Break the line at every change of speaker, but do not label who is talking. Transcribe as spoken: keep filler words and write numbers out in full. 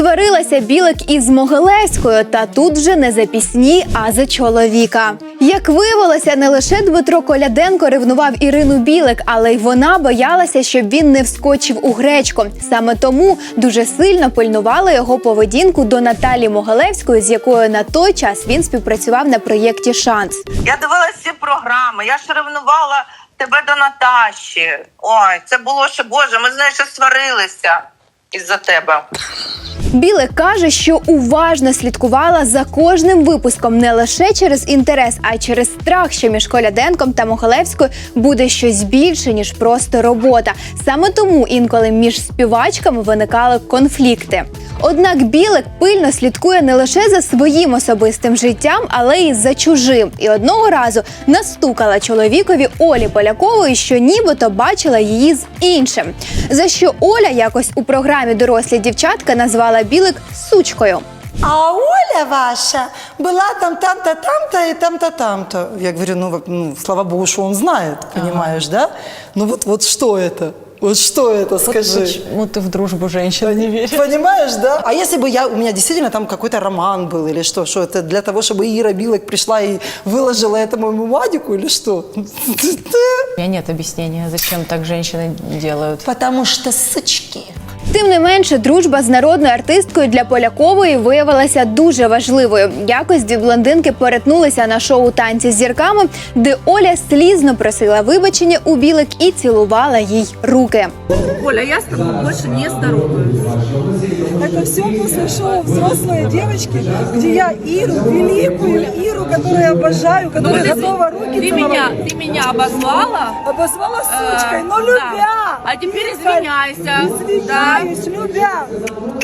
Сварилася Білик із Могилевською, та тут вже не за пісні, а за чоловіка. Як виявилося, не лише Дмитро Коляденко ревнував Ірину Білик, але й вона боялася, щоб він не вскочив у гречку. Саме тому дуже сильно пильнувала його поведінку до Наталі Могилевської, з якою на той час він співпрацював на проєкті «Шанс».
Я дивилася всі програми, я ж ревнувала тебе до Наташі. Ой, це було ще, Боже, ми з нею ще сварилися із-за тебе.
Білик каже, що уважно слідкувала за кожним випуском не лише через інтерес, а й через страх, що між Коляденком та Могилевською буде щось більше, ніж просто робота. Саме тому інколи між співачками виникали конфлікти. Однак Білик пильно слідкує не лише за своїм особистим життям, але й за чужим. І одного разу настукала чоловікові Олі Полякової, що нібито бачила її з іншим. За що Оля якось у програмі «Дорослі дівчатка» назвала Білик сучкою.
А Оля ваша была там, там-то, там-то и там-то, там-то. Я говорю, ну, ну, слава богу, что он знает, понимаешь, ага. Да? Ну вот, вот что это? Вот что это, скажи?
Вот почему ты в дружбу женщин не веришь?
Понимаешь, да? А если бы я, у меня действительно там какой-то роман был или что? Что это для того, чтобы Ира Билик пришла и выложила это моему Вадику или что?
У меня нет объяснения, зачем так женщины делают.
Потому что сучки.
Тим не менше, дружба з народною артисткою для Полякової виявилася дуже важливою. Якось дві блондинки перетнулися на шоу «Танці з зірками», де Оля слізно просила вибачення у Білик і цілувала їй руки.
Оля, я с тобой больше не здороваюсь.
Это все после шоу «Взрослые девочки», где я Иру, великую Иру, которую я обожаю, которая
Ну,
готова руки
ты
целовать.
меня, ты меня обозвала,
Обозвала
э,
сучкой, но
да.
любя.
А теперь извиняйся.
Извиняюсь, любя.